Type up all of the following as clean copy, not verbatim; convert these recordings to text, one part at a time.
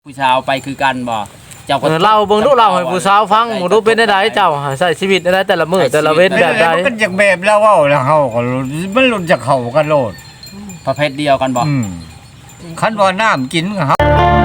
ผู้ชาวไปคือกันบ่เจ้าก็เล่าเบิ่งดูเล่าให้ผู้สาวฟังบ่รู้เป็นได้เจ้าใช้ชีวิตได้แต่ละมื้อแต่ละเว้นแบบใดมันจากแบบแล้วเว้าแล้วเฮาก็มันหลุดจากเขากันโลดประเภทเดียวกันบ่คันว่าน้ำกินก็เฮา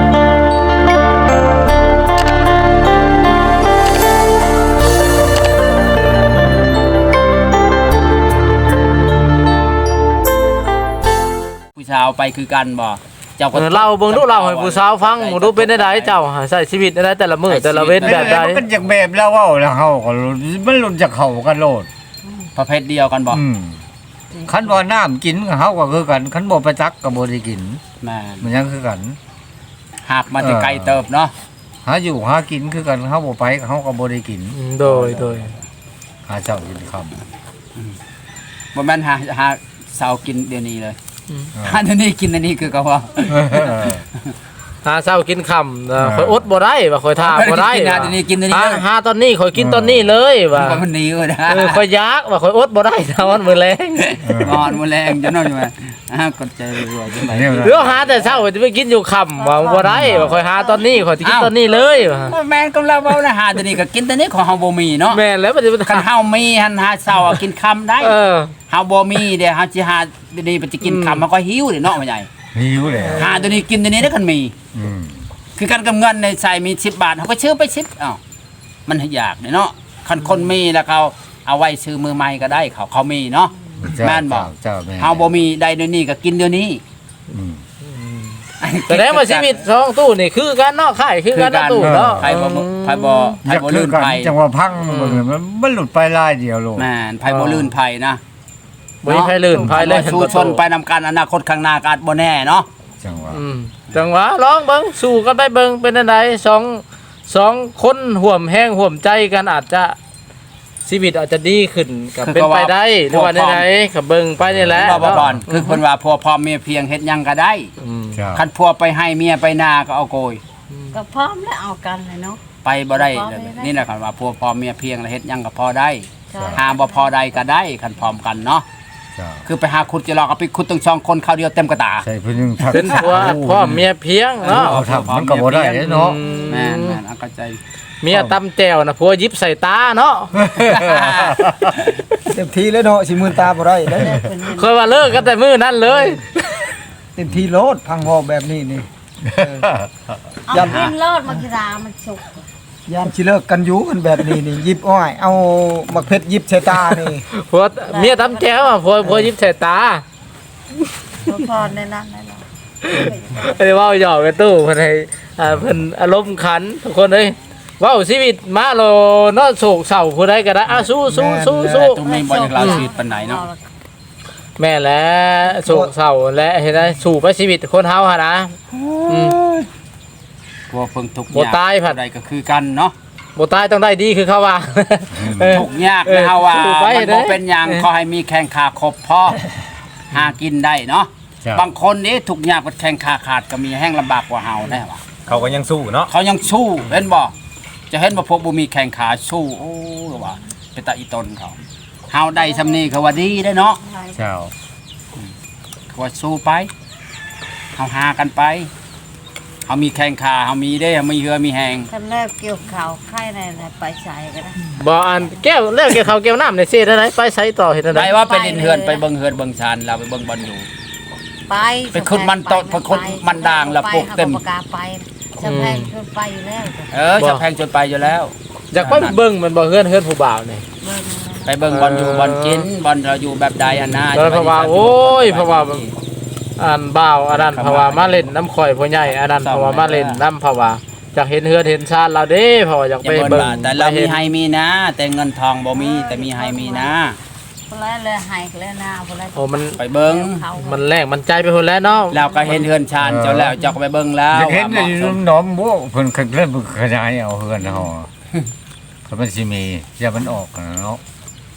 ผู้ชาวไปคือกันบ่เจ้าก็เล่าเบิ่งดูเล่าให้ผู้สาวฟังบ่รู้เป็นได้เจ้าใช้ชีวิตได้แต่ละมื้อแต่ละเว้นแบบใดมันจากแบบแล้วเว้าแล้วเฮาก็มันหลุดจากเขากันโลดประเภทเดียวกันบ่คันว่าน้ำกินก็เฮาก็คือกันคันบ่ไปตักก็บ่ได้กินแม่มันยังคือกันหากมาแต่ไกลเติบเนาะหาอยู่หากินคือกันเฮาบ่ไปเฮาก็บ่ได้กินโดยหาเช้ากินค่ำบ่แม่นหาเช้ากินเดี๋ยวนี้เลยหาเดี๋ยวนี้กินอันนี้คือก็ว่าหาเช้ากินค่ำข่อยอดบ่ได้ว่าข่อยท่าบ่ได้หาเดี๋ยวนี้กินอันนี้หาตอนนี้ข่อยกินตอนนี้เลยว่ามันหนีเด้อข่อยอยากว่าข่อยอดบ่ได้ตอนมื้อแลงมื้อแลงจะนอนอยู่ว่ากดใจรัวจังได๋เดี๋ยวหาแต่เช้าจะไปกินอยู่ค่ำว่าบ่ได้ว่าข่อยหาตอนนี้ข่อยสิกินตอนนี้เลยว่าแม่นกำลังเว้านะหาเดี๋ยวนี้ก็กินตอนนี้ของเฮาบ่มีเนาะแม่นแล้วมันคันเฮามีหันหาเช้ากินค่ำได้เฮาบ่มีเด้เฮาสิหาเดี๋ยวนี้ไปจะกินค่ำมันก็หิวเด้เนาะพ่อใหญ่หิวแล้วหาเดี๋ยวนี้กินเดี๋ยวนี้ได้คันมีคือกันกับเงินในใส่มี10 บาทเขาก็ซื้อไป10อ้าวมันอยากเนาะคันคนมีแล้วเขาเอาไว้ซื้อมือใหม่ก็ได้เขามีเนาะแม่นบ่เฮาบ่มีได้เดี๋ยวนี้ก็กินเดี๋ยวนี้แสดงว่าชีวิต2ตู้นี่คือกันเนาะค่ายคือกันตู้เนาะไผบ่ลื่นไผจังว่าพังมันหลุดไปลายเดียวโลดแม่นไผบ่ลื่นไผนะบ่มีไผลื่นไผเลยสู้ชนไปนำกันอนาคตข้างหน้าก็อาจบ่แน่เนาะจังว่าลองเบิ่งสู้กันไปเบิ่งเป็นจังได๋2คนร่วมแรงร่วมใจกันอาจจะชีวิตอาจจะดีขึ้นก็เป็นไปได้หรือว่าใดๆก็เบิ่งไปนี่แหละบ่บ่คือเพิ่นว่าผัวพร้อมเมียเพียงเฮ็ดหยังก็ได้คันผัวไปให้เมียไปนาก็เอาโกยก็พร้อมแล้วเอากันเลยเนาะไปบ่ได้นี่แหละคันว่าผัวพร้อมเมียเพียงแล้วเฮ็ดหยังก็พอได้หาบ่พอได้ก็ได้คันพร้อมกันเนาะคือไปหาขุดจะรอก็ไปขุดตั้ง2คนคราวเดียวเต็มกระตาใช่เพิ่นยังเป็นผัวพ่อเมียเพียงเนาะมันก็บ่ได้เนาะแม่นๆเข้าใจเมียตำแจ่วน่ะผัวยิบใส่ตาเนาะเต็มที่เลยเนาะสิมื่นตาบ่ได้แล้วเคยว่าเลิกกันแต่มื้อนั้นเลยเต็มที่โลดพังหอกแบบนี้นี่เอากินโลดมากีฬามันสุกยามสิเลิกกันอยู่กันแบบนี้นี่ยิบอ้อยเอามักเพชรยิบใส่ตานี่ผัวเมียตำแจ่วอ่ะผัวยิบใส่ตาพอในนั้นได้แล้วไอ้เว้าหยอกกันตู้เพิ่นให้เพิ่นอารมณ์ขันทุกคนเอ้ยเว้าชีวิตมาโลเนาะโศกเศร้าผู้ใดก็ได้สู้ตรงนี้บ่อยากลาชีวิตปานใดเนาะแม่และโศกเศร้าและเฮ็ดได้สู่ไปชีวิตคนเฮาหั่นนะพวกเพิ่งทุกข์บ่ตายผัดใดก็คือกันเนาะบ่ตายต้องได้ดีคือเขาว่าทุกข์ยากนะเฮาว่ามันบ่เป็นหยังขอให้มีแข้งขาครบพอหากินได้เนาะบางคนนี่ทุกข์ยากบ่แข้งขาขาดก็มีแห้งลำบากกว่าเฮาแน่ว่าเขาก็ยังสู้เนาะเขายังสู้เห็นบ่จะเห็นว่าพวกบ่มีแข้งขาสู้โอ้ว่าเป็นตาอีตนเขาเฮาได้ซำนี้ก็ว่าดีได้เนาะเจ้าก็ว่าสู้ไปเฮาหากันไปเฮามีแข้งขาเฮามีได้เฮามีเหือมีแหงคันแรกเกี่ยวข้าวไข่ในไปใส่ก็ได้บ่อันแก้วแล้วเกี่ยวข้าวแก้วน้ำในเสิได้ไหนไปใส่ต่อเฮ็ดได้ไปว่าไปดินเฮือนไปเบิ่งเฮือนเบิ่งชานเราไปเบิ่งบ่อนอยู่ไปขึ้นมันโตไปขึ้นมันด่างแล้วปลูกเต็มไปสะแพงจนไปอยู่แล้วสะแพงจนไปอยู่แล้วอยากไปเบิ่งมันบ่เฮือนผู้บ่าวนี่ไปเบิ่งบ่อนอยู่บ่อนกินบ่อนเราอยู่แบบใดอันน่าเพราะว่าโอ้ยเพราะว่าอันบ่าวอันนั้นเพราะว่ามาเล่นน้ำข่อยพ่อใหญ่อันนั้นเพราะว่ามาเล่นน้ำเพราะว่าอยากเห็นเฮือนเห็นชาติเราเด้เพราะว่าอยากไปเบิ่งแต่เรามีให้มีนะแต่เงินทองบ่มีแต่มีให้มีนะพุ่นแล้วเลยให้แล้วนะพุ่นแล้วโอ้มันไปเบิ่งมันแรงมันใจไปพุ่นแล้วเนาะเราก็เห็นเฮือนชานเจ้าแล้วเจ้าก็ไปเบิ่งแล้วเห็นอยู่หนอมบ่เพิ่นเริ่มขยายเอาเฮือนเฮาก็มันสิมีอย่ามันออกเนาะ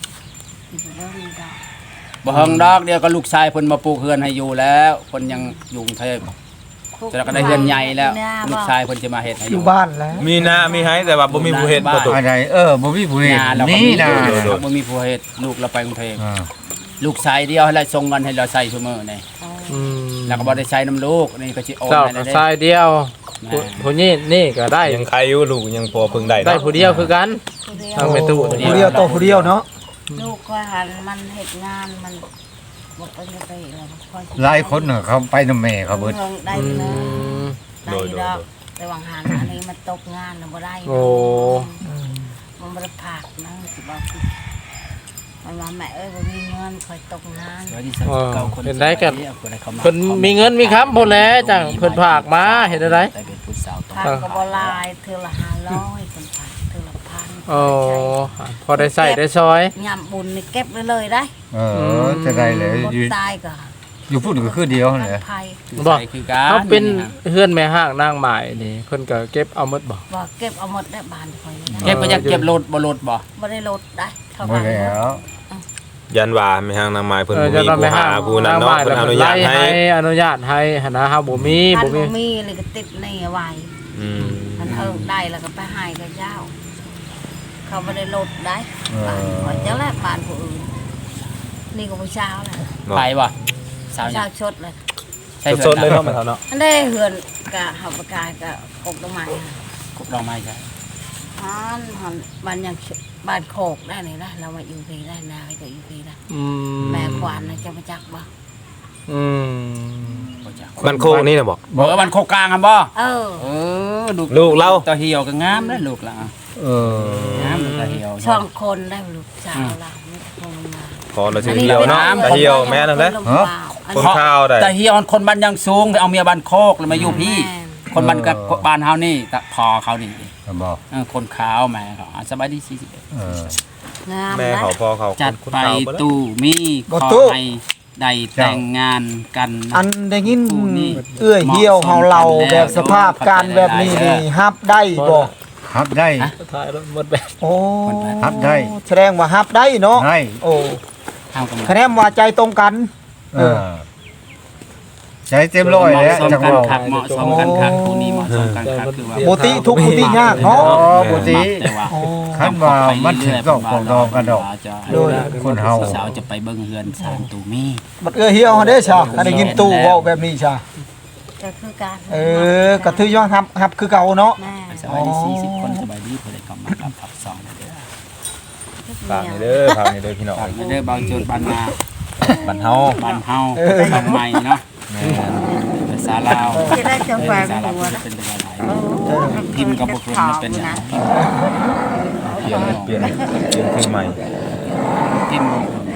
บ่ฮังดอกเดียวก็ลูกชายเพิ่นมาปลูกเฮือนให้อยู่แล้วเพิ่นยังอยู่กรุงเทพแล้วก็ได้เฮือนใหญ่แล้วลูกชายเพิ่นจะมาเฮ็ดให้อยู่บ้านแล้วมีนามีให้แต่ว่าบ่มีผู้เฮ็ดบ่ตุอะไรบ่มีผู้เฮ็ดนี่นะบ่มีผู้เฮ็ดลูกเราไปกรุงเทพลูกชายเดียวให้เราส่งเงินให้เราใช้ซุมื้อนี่แล้วก็บ่ได้ใช้น้ำลูกนี่ก็สิโอนให้ได้ชายเดียวผู้นี้นี่ก็ได้ยังใครอยู่ลูกยังพอเพิ่งได้ได้เนาะผู้เดียวคือกันผู้เดียวทางแม่ตู้ผู้เดียวโตผู้เดียวเนาะลูกก็หันมันเฮ็ดงานมันบ่ไปไปแล้วค่อยหลายคนน่ะเขาไปนำแม่เขาเบิดได้อืเลยมได้ดอกแต่วางหันอันนี้มันตกงานแล้วบ่ได้โอ้มันบ่ได้ผักนะสิบอกมันว่าแม่เอ้ยบ่มีเงินค่อยตกงานเห็นได้กันเพิ่นมีเงินมีคำพุ่นแหล้วจังเพิ่นฝากมาเห็นได้แต่เป็นผู้สาวต้องผักก็บ่หลายเทื่อละ500คนผักเทื่อละ1,000 โอ้พอได้ใส่ได้ซอยยามบุญนี่เก็บไว้เลยได้จะได้เลยบ่อยู่ตายก็อยู่พูดก็คือเดียวนั่นแหละภัยบ่คือการเขาเป็นเฮือนแม่ห้างนางหมายนี่เพิ่นก็เก็บเอาหมดบ่บ่เก็บเอาหมดได้บ้านค่อยได้เก็บไปจะเก็บรถบ่รถบ่บ่ได้ลดได้เท่าบ่กันแล้วยันว่าไม่ห่างนางไม้เพิ่นบ่จะมีนำไปผู้ห้าหาง ผู้นั้นเนาะเพิ่นอนุญาตให้อนุญาตให้หั่นนะเฮาบ่มีท่านบ่มีบ่มีเลยก็ติดหนี่ไว้อืมมันเฮิงได้แล้วก็ไปให้กับเจ้า เขาบ่ได้ลดได้บ้านข่อยเจ้าแลบ้านผู้อื่นนี่ก็ผู้เช้าแหละไปบ่สาวผู้หยัเช้าง ชดเลยใช่สดๆเลยเนาะแม่เฒ่าเนาะอันได้เฮือนกะเฮาประกายกะกกต้นไม้กุกดอกไม้ใช่หันบ้านยังบ้านโคกได้นี่นะเรามาอยู่พีได้นาก็อยู่พีได้อืมแม่ขวานน่ะจะมาจักบ่อืมมันโคกนี่น่ะบอกบอกว่ามันโคกลางครับบ่เออลูกเราตาเหี่ยวก็งามนะลูกละ งามตาเหี่ยวช่องคนได้ลูกสาวเราไม่คงมาขอเราชื่อเหี่ยวเนาะตาเหี่ยวแม่นั่นแหละ คนข้าวได้ตาเหี่ยวคนบ้านยังสูงเอาเมียบ้านโคกแล้วมาอยู่พี่ คนบ้านกับบ้านเฮานี่ตะพอเขานี่บ่คนขาวแม่เขาสบายดี41 งามแม่เขาพ่อเขาจัดคนไปข้าวบ่ได้ตู้มีขอให้ได้แต่งงานกันอันได้ยินเอื้อยเหี่ยวเฮาเราแบบสภาพการแบบนี้นี่ฮับได้บ่ฮับได้ท้ายรถหมดแบบโอ้ฮับได้แสดงว่าฮับได้เนาะได้โอ้ทางกำลังคะแนนว่าใจตรงกันใจเต็มร้อยแล้วเหมาะสมจังกันเว้าคักเหมาะสมกันคักคู่นี้เหมาะสมกันคักคือว่าบ่ติทุกข์บ่ติยากเนาะบ่ติแต่ว่าโอ้คันว่ามันถึงดอกของดองกันดอกโดยคนเฮาสาวจะไปเบิ่งเฮือนสามตู้มีบัดเอื้อยเหี่ยวเด้ซะถ้าได้ยินตู้เว้าแบบนี้ซะก็คือการก็ถือย้อนฮับคือเก่าเนาะแม่สบายดี40คนสบายดีเพิ่นได้กลับมารับสองเด้อฝากนี่เด้อฝากนี่เด้อพี่น้องฝากเด้อเบาโจรบ้านนาบ้านเฮาบ้านเฮาบ้านใหม่เนาะแม่ภาษาลาวจะได้จะแฝงภาษาลาวหัวนะเป็นภาษาไทยพิมพ์กับบ่พิมพ์มันเป็นอย่างเปลี่ยนคือใหม่พิมพ์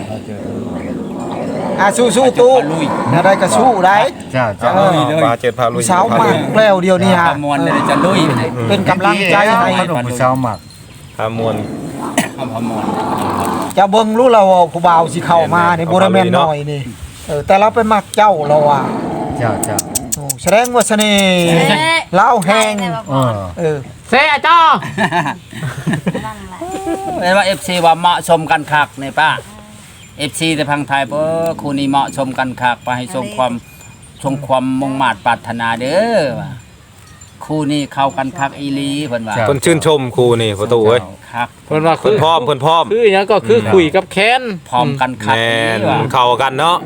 สู้ๆตู้ลุยอะไรก็สู้ได้จ้าจ้าปลาเจ็ดพาลุยผู้สาวมากแล้วเดียวนี้ฮะประมวลเลยจะลุยเป็นกำลังใจให้ขนมผู้สาวหมักพามวลเอาประมวลจะเบิ่งรู้แล้วว่าผู้บ่าวสิเข้ามานี่บ่ได้แม่นน้อยนี่แต่เราไปมักเจ้าเราอ่ะจ้าจ้าโอ้แสดงว่าเสน่ห์เล่าแฮงเซ่จ้อนั่นแหละเห็นว่า FC ว่าเหมาะสมกันคักนี่ป้า FC แต่พังไทยคู่นี้เหมาะสมกันคักไปให้ทรงความมุ่งมา่ปรารถนาเด้อว่าคู่นี้เข้ากันคักอีหลีเพิ่นว่าเพิ่นชื่นชมครูนี่ประตูเอ้ยคักเพิ่นว่าเพิ่นพร้อมเพิ่นพร้อมคือหยังก็คือคุยกับแคนพร้อมกันคักแม่อีนหลีว่าเข้ากันเนาะ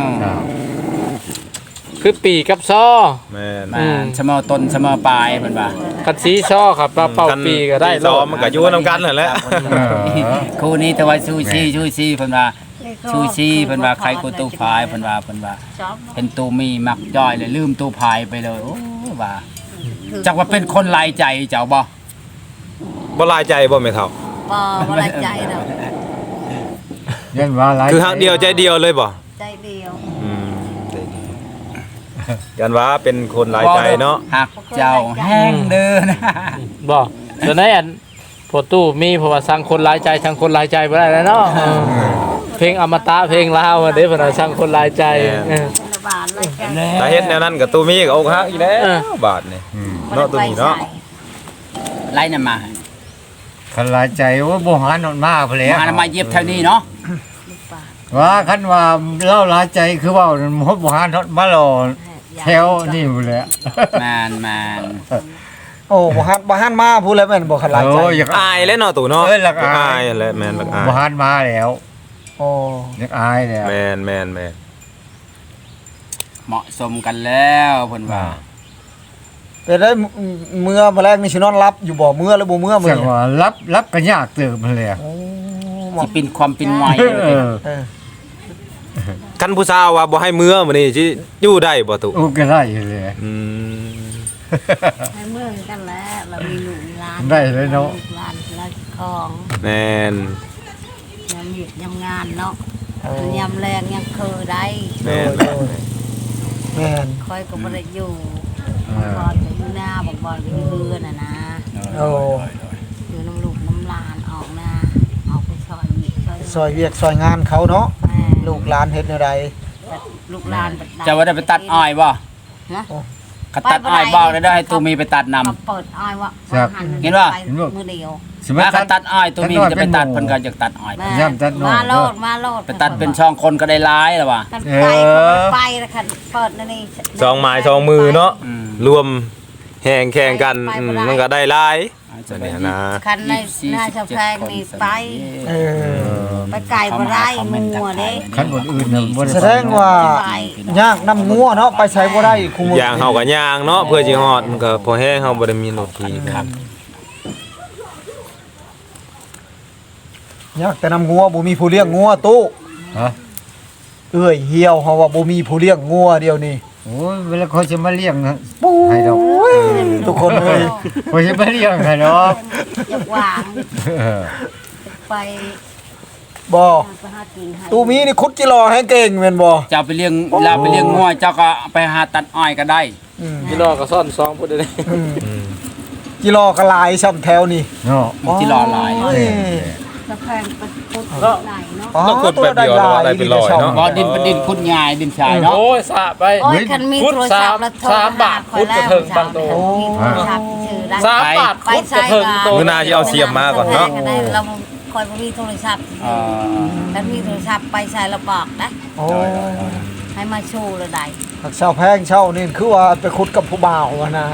คือปีกับซอแม่นมาเสมอต้นเสมอปลายเพิ่นว่าคันสีซอครับเป่าปีก็ได้ซ้อมมันก็อยู่นำกันนั่นแหละคู่นี้แต่ว่าซูซี่เพิ่นว่าซูซี่เพิ่นว่าใครกูตู้พายเพิ่นว่าชอบเป็นตูมีมักจ้อยเลยลืมตู้พายไปเลยโอ้ว่าจักว่าเป็นคนหลายใจเจ้าบ่บ่ลายใจบ่แม่เฒ่าบ่บ่ได้ใจดอกยันว่าหลายคือฮักเดียวใจเดียวเลยบ่ใจเดียวอืมใจเดียวยันว่าเป็นคนหลายใจเนาะหักเจ้าแห้งเด้อนะบ่ตอนนั้นอันพอตู้มีเพราะว่าสั่งคนหลายใจสั่งคนหลายใจบ่ได้แล้วเนาะเพลงอมตะเพลงลาวเด้เพิ่นว่าสั่งคนหลายใจเออคนละบาทเลยกันถ้าเฮ็ดแนวนั้นก็ตูมีก็อกหักอีกแล้วบาทนี่เนาะตัวนี้เนาะไล่นำมาคันหลายใจว่าบ่หานอนมาพุ่นแหล้วมามาเย็บเท่านี้เนาะลูกบาทว่าคันว่าเล่าหลายใจคือว่าบ่หานอนมาหล่อแถวนี่พุ่นแหละมานโอ้บ่ฮั่นมาพูดแล้วแม่นบ่คันหลายใจโอ้ยอยากอายแล้วเนาะตู่เนาะเอ้ยหลักอายแหละแม่นหลักอายบ่หานมาแล้วโอ้อยากอายแล้วแม่นเหมาะสมกันแล้วเพิ่นว่าเป็นได้เมื่อแมลงนี่สินอนรับอยู่บ่เมื่อแล้วบ่เมื่อมื้จังว่ารับก็ยากเติบมันเลยโอ้สิเป็นความเป็นไวเออเออคันผู้สาวว่าบ่ให้เมื่อมื้อนี้สิอยู่ได้บ่ตุโอ้ก็ได้เลยอืมให้เมื่อกันแล้วเรามีลูกมีหลานได้เลยเนาะลูกหลานแล้วของแม่นยามเหยียดยามงานเนาะยามแรงยังคือได้แม่นแม่นคอยก็บ่ได้อยู่บอลก็อยู่หน้าบอกบอลก็อยู่เรือนน่ะนะโอ้อยู่น้ำลูกน้ำหลานออกหน้าออกไปซอยนี่ซอยซอยเวียกซอยงานเขาเนาะแม่ลูกหลานเฮ็ดแนวใดลูกหลานบัดจะว่าได้ไปตัดอ้อยบ่นะก็ตัดอ้อยบ่ได้ให้ตูมีไปตัดนำมาเปิดอ้อยว่าเห็นป่ะไปมือเดียวสมัยถ้าตัดอ้อยตูมีจะไปตัดเพิ่นก็จะตัดอ้อยแม่ย่ำตัดน้อยมาโลดมาโลดไปตัดเป็นช่องคนก็ได้ร้ายแล้วว่ะกันไปก็ไปแล้วคันเปิดนั่นนี่สองไม้สองมือเนาะอืมรวมแห่งแข่งกันมันก็ได้หลายจะได้นะคันในหน้าชาวแพงนี่ไปเออไปไก่บ่ได้งัวเด้คันคนอื่นน่ะบ่ได้แสดงว่ายากนำงัวเนาะไปใช้บ่ได้คุมื้อย่างเฮาก็ย่างเนาะเพื่อสิฮอดมันก็พอแห้งเฮาบ่ได้มีรถขี่ครับยากแต่นำงัวบ่มีผู้เลี้ยงงัวตู้ฮะเอ้ยเหี่ยวเฮาว่าบ่มีผู้เลี้ยงงัวเดียวนี้โอ้ยเวลาเขาจะมาเลี้ยงนะให้ดอกทุกคนเอ้ยเขาจะมาเลี้ยงให้ดอกอยากวางเออไปบ่ไปหากินให้ตู้มีนี่ขุดจิรอให้เก่งแม่นบ่เจ้าไปเลี้ยงลาไปเลี้ยงงัวเจ้าก็ไปหาตัดอ้อยก็ได้อืมพี่น้องก็ซ่อนซองพูดได้อืมจิรอก็หลายซ้ำแถวนี่เนาะมีที่รอหลายโอ้ยชาวแพงไปพุดไหนเนาะอ๋อต้องขุดแป๊บเดียวแล้วได้เป็นร้อยเนาะบ่ดินเป็นดินคุณยายดินชายเนาะโอ้ยสะไปโอ้ยคันมีโทรศัพท์แล้วโทรสามบาทคอยแล้วพุดกระเทิงบางโตมีโทรศัพท์ชื่อได้สามบาทไปคุดกใช้ระเทิงโตมื้อหน้าสิเอาเสียมมาก่อนเนาะเราคอยบ่มีโทรศัพท์เออถ้ามีโทรศัพท์ไปใช้แล้วบอกนะโอ้ยให้มาชูเลยได้ผักเช่าแพงเช่านี่คือว่าไปขุดกับผู้บ่าวอะนะ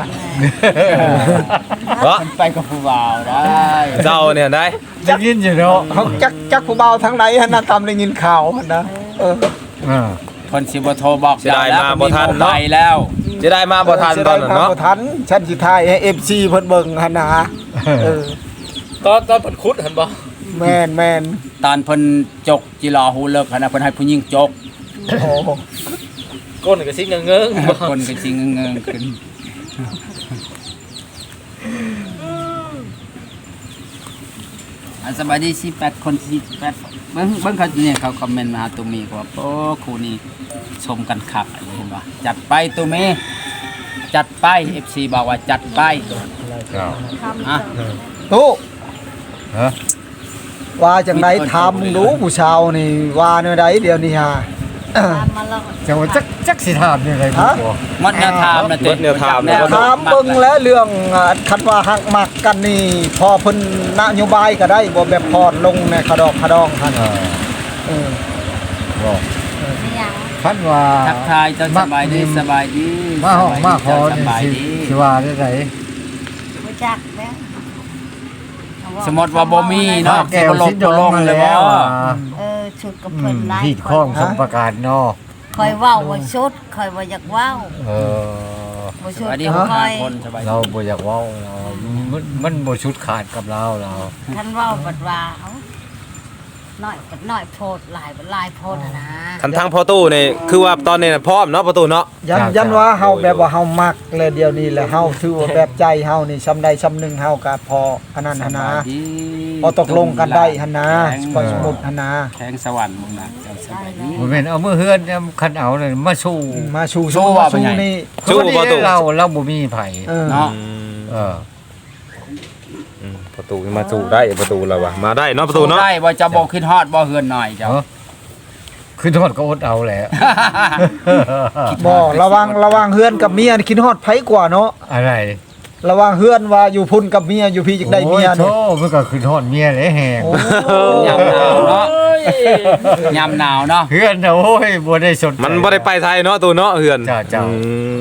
เนาะมันไปกับผู้บ่าวได้เจ้าเนี่ยได้จะกินอยู่เนาะเขาจักผู้บ่าวทางไหนหั่นน่ะตามได้ยินข่าวหั่นนะเอออ่าคนสิบ่โทรบอกเสียดายมาบ่ทันเนาะไปแล้วจะได้มาบ่ทันตอนนั้นเนาะบ่ทันฉันสิถ่ายให้ FC เพิ่นเบิ่งหั่นนะเออตอนเพิ่นคุดเห็นบ่แม่นตอนเพิ่นจกจิรอฮูเลิกหั่นน่ะเพิ่นให้ผู้หญิงจกโอ้ก้นก็สิเงิงๆบ่คนก็สิงเงิงๆขึ้นสบายดี18คน48เบิ่งเขาเนี่ยเขาคอมเมนต์มาหาตุมีก็ว่าโอ้คู่นี้ชมกันคักอะไรเห็นบ่จัดไปตุมีจัดไป FC บอกว่าจัดไปครับอ่ะตู้ฮะว่าจังไดทำดูผู้ชาวนี่ว่าแนวใดเดี๋ยวนี้ฮะตามมาแล้วจังว่าจักสิถามยังไงบ่บ่หมดแนวทางนะหมดแนวทางแนวถามเบิ่งแล้วเรื่องคันว่าหักมักกันนี่พอเพิ่นนโยบายก็ได้บ่แบบพอดลงในขะดอกขะดองหั่นอ่าเออบ่ไม่ยังคันว่าทักทายเจ้าสบายดีสบายดีมาห้องมาขอสนี่บายสิดีสิว่าได้ไดบ่จักแล้วสมมติว่าบ่มีเนาะแก้วลสิงดลองงมาเลยแล้บ่วชุดกับเพิ่นหลายที่ข้องสมประการเนาะคอยเว้าว่าชุดคอยว่าอยากเว้าเออบ่สชุดบายดีก็คอยคนสบายดีเราบ่อยากเว้าเรามันบ่ชุดขาดกับเราท่านเว้าบัดว่าเอ้าน้อยบัดน้อยโพดหลายบัดหลายโพดอะนะทั้งพ่อตู้นี่คือว่าตอนนี้น่ะพร้อมเนาะประตูเนาะยันว่าเฮาแบบว่าเฮามักเลยเดี๋ยวนี้แหละเฮาถือว่าแบบใจเฮานี่ซำใดซำหนึงเฮาก็พออันนั้นหั่นนะสบายดีพอตกลงกันได้หั่นนะพอสมมุติหั่นนะแข้งสวรรค์มึงนะเจ้าสบายดีบ่แม่นเอามือเฮือนคันเอานั่นมาสู้มาชูสู้ว่าเป็นไงนี่สู้ประตูเราบ่มีไผเออเนาะเออประตูมาสู้ได้ประตูแล้ววะมาได้เนาะประตูเนาะได้บ่จะบ่ขึ้นฮอดบ่เฮือนหน่อยเจ้าคือโทษก็อดเอาแหละบ่ระวังเฮือนกับเมียนี่คิดฮอดไผกว่าเนาะอะไรระวังเฮือนว่าอยู่พุ่นกับเมียอยู่พี่จักได้เมียโธ่นี่มันก็คือโทษเมียเลยแฮงโอ้ยามหนาวเนาะยามหนาวเนาะเฮือนน่ะโอ้ยบ่ได้สนใจมันบ่ได้ไปไทยเนาะตูเนาะเฮือนจ้าอืม